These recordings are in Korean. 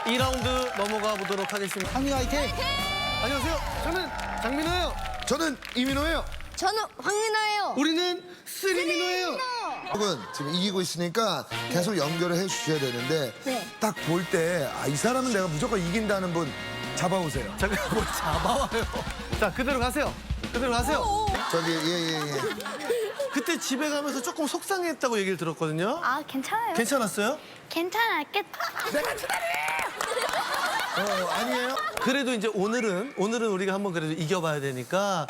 2라운드 넘어가 보도록 하겠습니다. 황민 화이팅! 안녕하세요. 저는 장민호예요. 저는 이민호예요. 저는 황민아예요. 우리는 쓰리민호예요. 여러분 지금 이기고 있으니까 계속 연결을 해주셔야 되는데 네. 딱 볼 때 이 사람은 내가 무조건 이긴다는 분 잡아오세요. 잠깐 뭘 잡아와요. 자, 그대로 가세요. 그대로 가세요. 저기 예예예. 그때 집에 가면서 조금 속상했다고 얘기를 들었거든요. 아, 괜찮아요. 괜찮았어요? 괜찮았겠다. 아니에요? 그래도 이제 오늘은 우리가 한번 그래도 이겨봐야 되니까.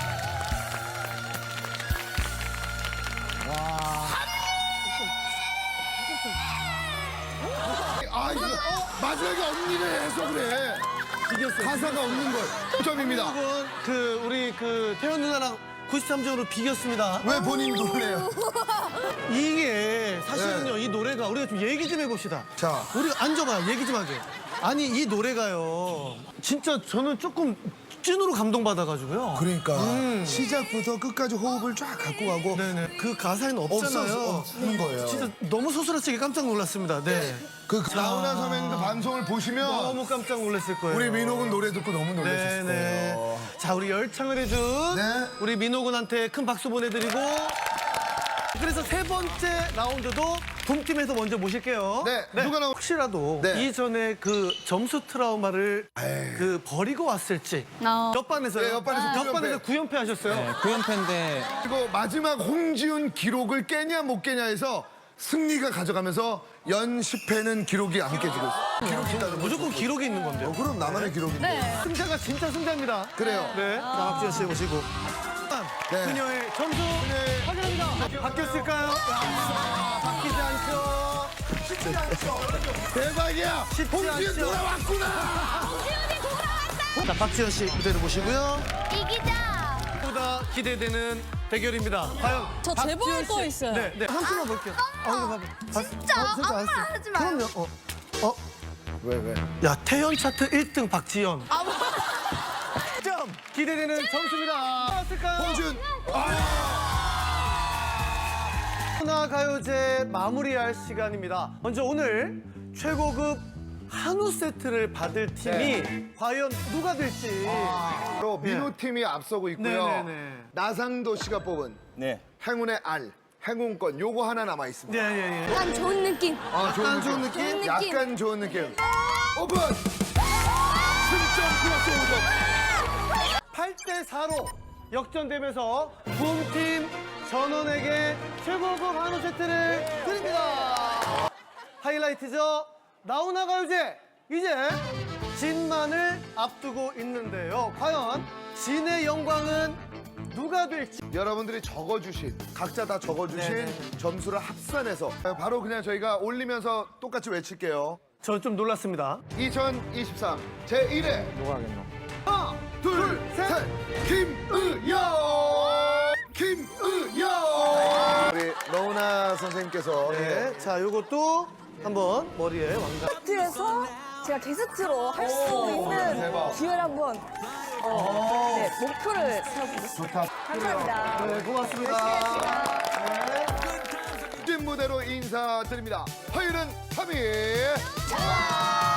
아 이거 마지막에 언니를 해서 그래. 비겼어요. 가사가 없는 걸. 9점입니다. 여러분, 우리 태연 누나랑 93점으로 비겼습니다. 왜 본인 놀래요? 이게 사실은요, 이 노래가 우리가 좀 얘기 좀 해봅시다. 자. 우리가 앉아봐요. 얘기 좀 하게. 아니, 이 노래가요. 진짜 저는 조금 찐으로 감동받아가지고요. 그러니까 시작부터 끝까지 호흡을 쫙 갖고 가고 네네. 그 가사에는 없잖아요. 없는 거예요. 진짜 너무 소스라치게 깜짝 놀랐습니다. 네. 그 나훈아 선배님도 방송을 보시면 너무 깜짝 놀랐을 거예요. 우리 민호군 노래 듣고 너무 놀랐을 네네. 거예요. 자, 우리 열창을 해준 네. 우리 민호군한테 큰 박수 보내드리고 그래서 세 번째 라운드도 붐팀에서 먼저 모실게요. 네, 누가 나오- 혹시라도 네. 이전에 그 점수 트라우마를 에이. 버리고 왔을지 어. 옆반에서요. 네, 옆반에서 9연패 하셨어요. 네, 9연패인데 그리고 마지막 홍지훈 기록을 깨냐 못 깨냐 해서 승리가 가져가면서 연 10회는 기록이 안 깨지고 있어요. 기록이 있다는 무조건 기록이 있는 건데요. 그럼 나만의 기록인데. 승자가 진짜 승자입니다. 그래요. 네, 박지현 씨 모시고. 네. 그녀의 점수 확인합니다. 바뀌었을까요? 바뀌지 않죠. 대박이야. 쉽지 홍지훈 않죠. 돌아왔구나. 자, 박지현 씨 무대로 모시고요. 이기자. 보다 기대되는 대결입니다. 과연 저 박지현 제보할 씨- 거 있어요. 네, 네. 한 푼만 볼게요. 진짜? 아무나 하지 마. 그럼요. 왜? 야, 태연 차트 1등 박지현. 아, 뭐. 점 기대되는 점수입니다. 나왔을까요? 홍지훈. 하나 가요제 마무리할 시간입니다. 먼저 오늘 최고급 한우 세트를 받을 팀이 과연 누가 될지. 바로 민호 팀이 앞서고 있고요. 네네네. 나상도 씨가 뽑은 행운의 알, 행운권 요거 하나 남아 있습니다. 네, 예, 예. 약간 좋은 느낌. 아, 약간 좋은 느낌? 좋은 느낌. 약간 좋은 느낌. 오픈. 승점 플러스 5점. 8대 4로 역전되면서 붐팀 전원에게 최고급 한우 세트를 드립니다. 하이라이트죠. 나훈아 가요제 이제 진만을 앞두고 있는데요. 과연 진의 영광은 누가 될지. 여러분들이 적어주신 각자 다 적어주신 네네. 점수를 합산해서 바로 그냥 저희가 올리면서 똑같이 외칠게요. 저 좀 놀랐습니다. 2023 제1회 누가 하겠노? 하나 둘셋 김의영 우리 너훈아 선생님께서 네, 자 요것도 한번 머리에 왕관. 게스트에서 제가 게스트로 할 수 있는 대박. 기회를 한번 네, 목표를 세워보겠습니다. 좋다. 감사합니다. 네, 고맙습니다. 찐 무대로 인사드립니다. 화요일은 3일